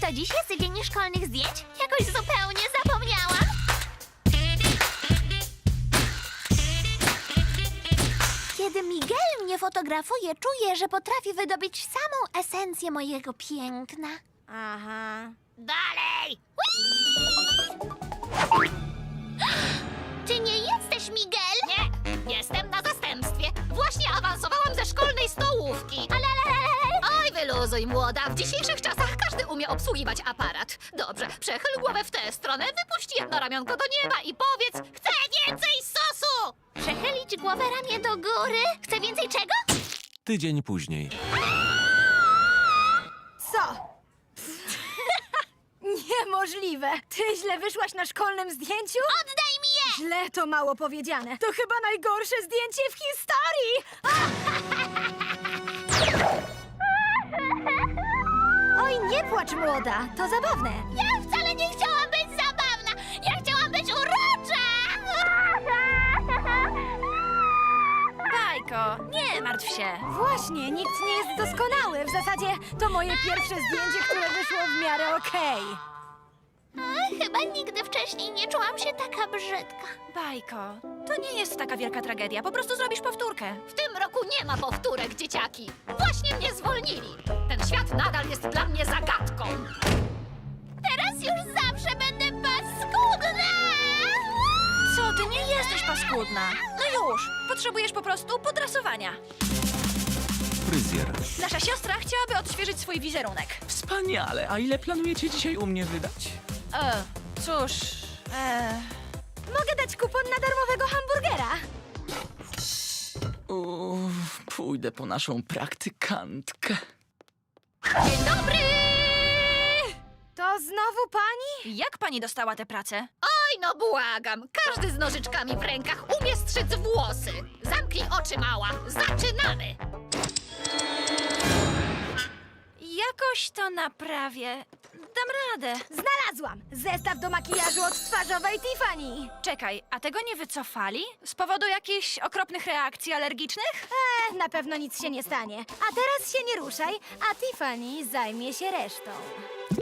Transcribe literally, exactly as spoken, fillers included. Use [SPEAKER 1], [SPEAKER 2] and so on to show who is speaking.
[SPEAKER 1] To dziś jest dzień szkolnych zdjęć? Jakoś zupełnie zapomniałam. Kiedy Miguel mnie fotografuje, czuję, że potrafi wydobyć samą esencję mojego piękna.
[SPEAKER 2] Aha.
[SPEAKER 1] Dalej! Ty nie jesteś Miguel?
[SPEAKER 3] Nie, jestem na zastępstwie. Właśnie awansowałam ze szkolnej stołówki.
[SPEAKER 1] Ale, ale, ale, ale.
[SPEAKER 3] Oj, wyluzuj, młoda. W dzisiejszych czasach każdy umie obsługiwać aparat. Dobrze, przechyl głowę w tę stronę, wypuść jedno ramionko do nieba i powiedz: chcę więcej sosu!
[SPEAKER 1] Przechylić głowę ramię do góry? Chcę więcej czego?
[SPEAKER 4] Tydzień później.
[SPEAKER 2] Co? Niemożliwe! Ty źle wyszłaś na szkolnym zdjęciu?
[SPEAKER 1] Oddaj mi je!
[SPEAKER 2] Źle to mało powiedziane. To chyba najgorsze zdjęcie w historii! Oj, nie płacz, młoda. To zabawne.
[SPEAKER 1] Ja wcale nie chciałam być zabawna! Ja chciałam być urocza!
[SPEAKER 2] Bajko, nie martw się. Właśnie, nikt nie jest doskonały. W zasadzie to moje pierwsze zdjęcie, które wyszło w miarę okej.
[SPEAKER 1] A, chyba nigdy wcześniej nie czułam się taka brzydka.
[SPEAKER 2] Bajko, to nie jest taka wielka tragedia. Po prostu zrobisz powtórkę.
[SPEAKER 3] W tym roku nie ma powtórek, dzieciaki. Właśnie mnie zwolnili. Ten świat nadal jest dla mnie zagadką.
[SPEAKER 1] Teraz już zawsze będę paskudna!
[SPEAKER 2] Co, ty nie jesteś paskudna. No już, potrzebujesz po prostu podrasowania.
[SPEAKER 4] Fryzjer.
[SPEAKER 2] Nasza siostra chciałaby odświeżyć swój wizerunek.
[SPEAKER 5] Wspaniale, a ile planujecie dzisiaj u mnie wydać?
[SPEAKER 2] E, cóż... E... Mogę dać kupon na darmowego hamburgera.
[SPEAKER 5] Uff, pójdę po naszą praktykantkę.
[SPEAKER 2] Dzień dobry! To znowu pani? Jak pani dostała tę pracę?
[SPEAKER 3] Oj, no błagam. Każdy z nożyczkami w rękach umie strzyc włosy. Zamknij oczy, mała. Zaczynamy.
[SPEAKER 2] Jakoś to naprawię. Dam radę. Znalazłam! Zestaw do makijażu od twarzowej Tiffany. Czekaj, a tego nie wycofali? Z powodu jakichś okropnych reakcji alergicznych? Eee, na pewno nic się nie stanie. A teraz się nie ruszaj, a Tiffany zajmie się resztą.